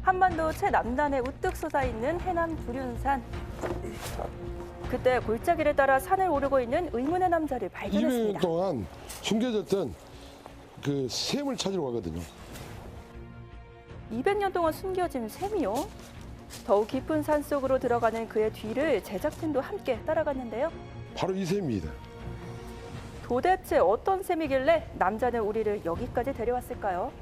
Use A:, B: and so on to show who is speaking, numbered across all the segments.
A: 한반도 최남단에 우뚝 솟아있는 해남 두륜산. 그때 골짜기를 따라 산을 오르고 있는 의문의 남자를
B: 200년
A: 발견했습니다.
B: 동안 숨겨졌던 그 샘을 찾으러 가거든요.
A: 200년 동안 숨겨진 샘이요? 더욱 깊은 산 속으로 들어가는 그의 뒤를 제작진도 함께 따라갔는데요.
B: 바로 이 샘입니다.
A: 도대체 어떤 셈이길래 남자는 우리를 여기까지 데려왔을까요?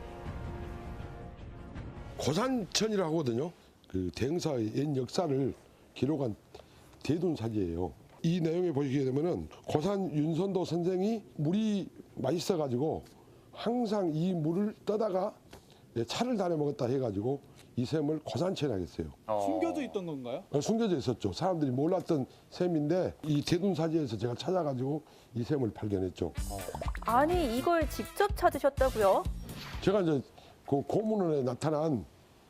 B: 고산천이라고 하거든요. 그 대흥사의 옛 역사를 기록한 대둔사지예요. 이 내용에 보시게 되면은 고산 윤선도 선생이 물이 맛있어가지고 항상 이 물을 떠다가 차를 다녀 먹었다 해가지고 이 샘을 고산천이라고 했어요.
C: 숨겨져 있던 건가요?
B: 숨겨져 있었죠. 사람들이 몰랐던 샘인데 이 대둔사지에서 제가 찾아가지고 이 샘을 발견했죠.
A: 아니, 이걸 직접 찾으셨다고요?
B: 제가 이제 그 고문원에 나타난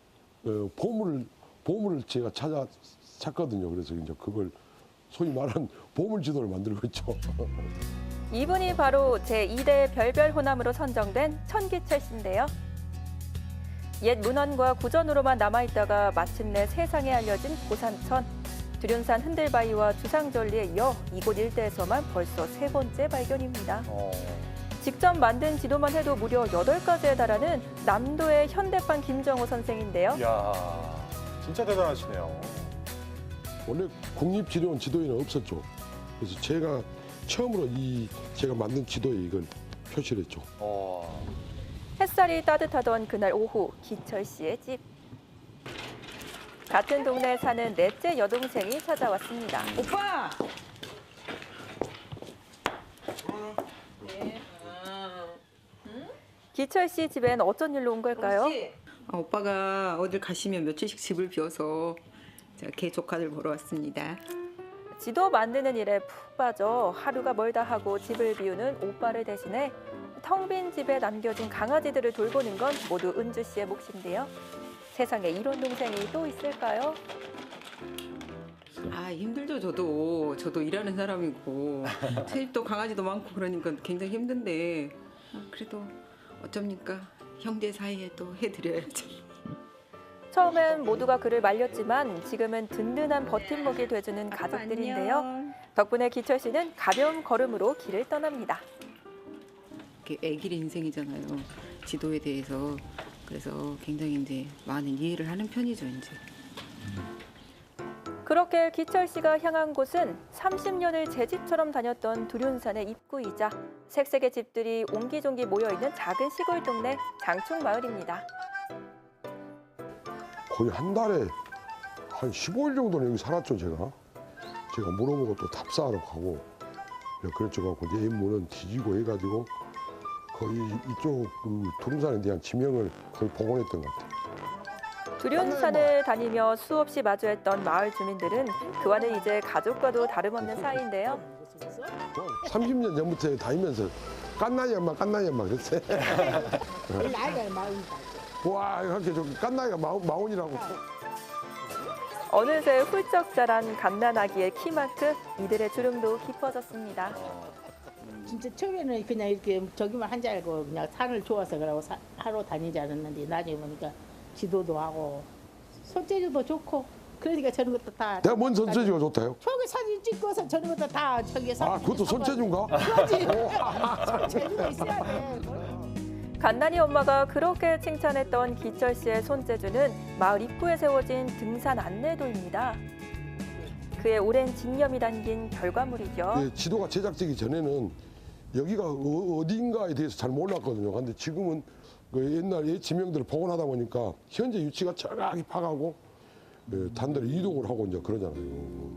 B: 보물을 제가 찾거든요. 그래서 이제 그걸 소위 말하는 보물 지도를 만들고 있죠.
A: 이분이 바로 제2대 별별 호남으로 선정된 천기철 씨인데요. 옛 문헌과 구전으로만 남아있다가 마침내 세상에 알려진 고산천. 두륜산 흔들바위와 주상절리에 이어 이곳 일대에서만 벌써 3번째 발견입니다. 직접 만든 지도만 해도 무려 8가지에 달하는 남도의 현대판 김정호 선생인데요.
D: 이야, 진짜 대단하시네요.
B: 원래 국립지도원 지도에는 없었죠. 그래서 제가 처음으로 제가 만든 지도에 이걸 표시를 했죠.
A: 햇살이 따뜻하던 그날 오후, 기철 씨의 집. 같은 동네에 사는 넷째 여동생이 찾아왔습니다.
E: 오빠!
A: 기철 씨 집엔 어쩐 일로 온 걸까요?
E: 오빠가 어딜 가시면 며칠씩 집을 비워서 제가 개 조카들 보러 왔습니다.
A: 지도 만드는 일에 푹 빠져 하루가 멀다 하고 집을 비우는 오빠를 대신해 텅 빈 집에 남겨진 강아지들을 돌보는 건 모두 은주 씨의 몫인데요. 세상에 이런 동생이 또 있을까요?
E: 아 힘들죠 저도 일하는 사람이고 새집도 강아지도 많고 그러니까 굉장히 힘든데 그래도 어쩝니까 형제 사이에 또 해드려야죠.
A: 처음엔 모두가 그를 말렸지만 지금은 든든한 버팀목이 돼주는 가족들인데요. 덕분에 기철 씨는 가벼운 걸음으로 길을 떠납니다.
E: 애길 인생이잖아요. 지도에 대해서 그래서 굉장히 이제 많은 이해를 하는 편이죠 이제.
A: 그렇게 기철 씨가 향한 곳은 30년을 제 집처럼 다녔던 두륜산의 입구이자 색색의 집들이 옹기종기 모여있는 작은 시골 동네 장충마을입니다.
B: 거의 한 달에 한 15일 정도는 여기 살았죠, 제가. 제가 물어보고 또 답사하러 가고. 그랬죠. 갖고 이제 문은 뒤지고 해가지고 거의 이쪽 두륜산에 대한 지명을 거의 복원했던 것 같아요.
A: 두륜산을 다니며 수없이 마주했던 마을 주민들은 그와는 이제 가족과도 다름없는 사이인데요.
B: 30년 전부터 다니면서 깐나이 엄마 그랬어요.
F: 나이가 마흔이다.
B: 와, 이렇게 좀 깐나이가 마흔이라고.
A: 어느새 훌쩍 자란 갓난아기의 키만큼 이들의 주름도 깊어졌습니다.
F: 진짜 처음에는 그냥 이렇게 저기만 한 줄 알고 그냥 산을 좋아서 그러고 하러 다니지 않았는데 나중에 보니까 지도도 하고 손재주도 좋고 그러니까 저런 것도 다.
B: 내가 뭔 손재주가 좋다요?
F: 저기 사진 찍고서 저런 것도 다 저기 사.
B: 그것도 손재주인가?
F: 그렇지. 손재주가 있어야 돼.
A: 갓난이 엄마가 그렇게 칭찬했던 기철 씨의 손재주는 마을 입구에 세워진 등산 안내도입니다. 그의 오랜 집념이 담긴 결과물이죠.
B: 지도가 제작되기 전에는 여기가 어딘가에 대해서 잘 몰랐거든요. 근데 지금은 그 옛날 옛 지명들을 복원하다 보니까 현재 위치가 정확히 파가고 단대로 이동을 하고 이제 그러잖아요.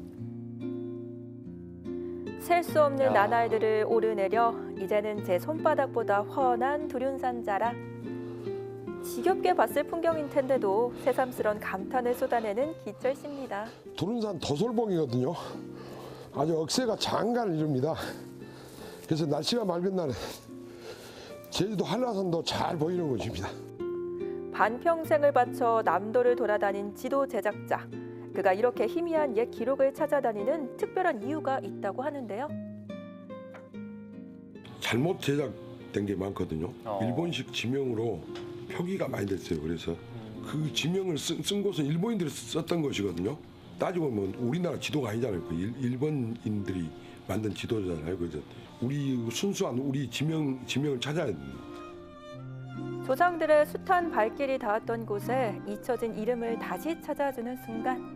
A: 셀 수 없는 나날들을 오르내려 이제는 제 손바닥보다 훤한 두륜산 자락. 지겹게 봤을 풍경인 텐데도 새삼스런 감탄을 쏟아내는 기철 씨입니다.
B: 두륜산 도솔봉이거든요. 아주 억새가 장관을 이룹니다. 그래서 날씨가 맑은 날에 제주도 한라산도 잘 보이는 곳입니다.
A: 반평생을 바쳐 남도를 돌아다닌 지도 제작자. 그가 이렇게 희미한 옛 기록을 찾아다니는 특별한 이유가 있다고 하는데요.
B: 잘못 제작된 게 많거든요. 일본식 지명으로 표기가 많이 됐어요. 그래서 그 지명을 쓴 곳은 일본인들이 썼던 것이거든요. 따지고 보면 우리나라 지도가 아니잖아요. 그 일본인들이 만든 지도잖아요. 그죠? 우리 순수한 우리 지명을 찾아야 됩니다.
A: 조상들의 숱한 발길이 닿았던 곳에 잊혀진 이름을 다시 찾아주는 순간.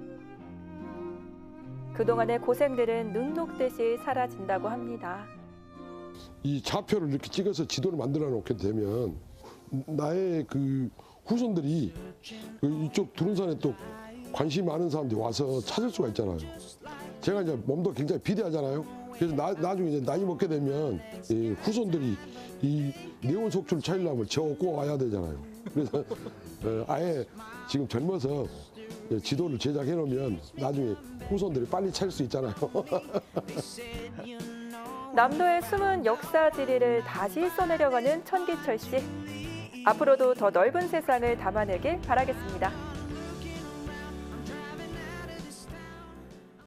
A: 그동안의 고생들은 눈 녹듯이 사라진다고 합니다.
B: 이 좌표를 이렇게 찍어서 지도를 만들어 놓게 되면 나의 그 후손들이 이쪽 두른산에 또 관심이 많은 사람들이 와서 찾을 수가 있잖아요. 제가 이제 몸도 굉장히 비대하잖아요. 그래서 나중에 이제 나이 먹게 되면 이 후손들이 이 네온 속초를 찾으려면 저 꼭 와야 되잖아요. 그래서 아예 지금 젊어서 지도를 제작해 놓으면 나중에 후손들이 빨리 찾을 수 있잖아요.
A: 남도의 숨은 역사 지리를 다시 써내려가는 천기철 씨. 앞으로도 더 넓은 세상을 담아내길 바라겠습니다.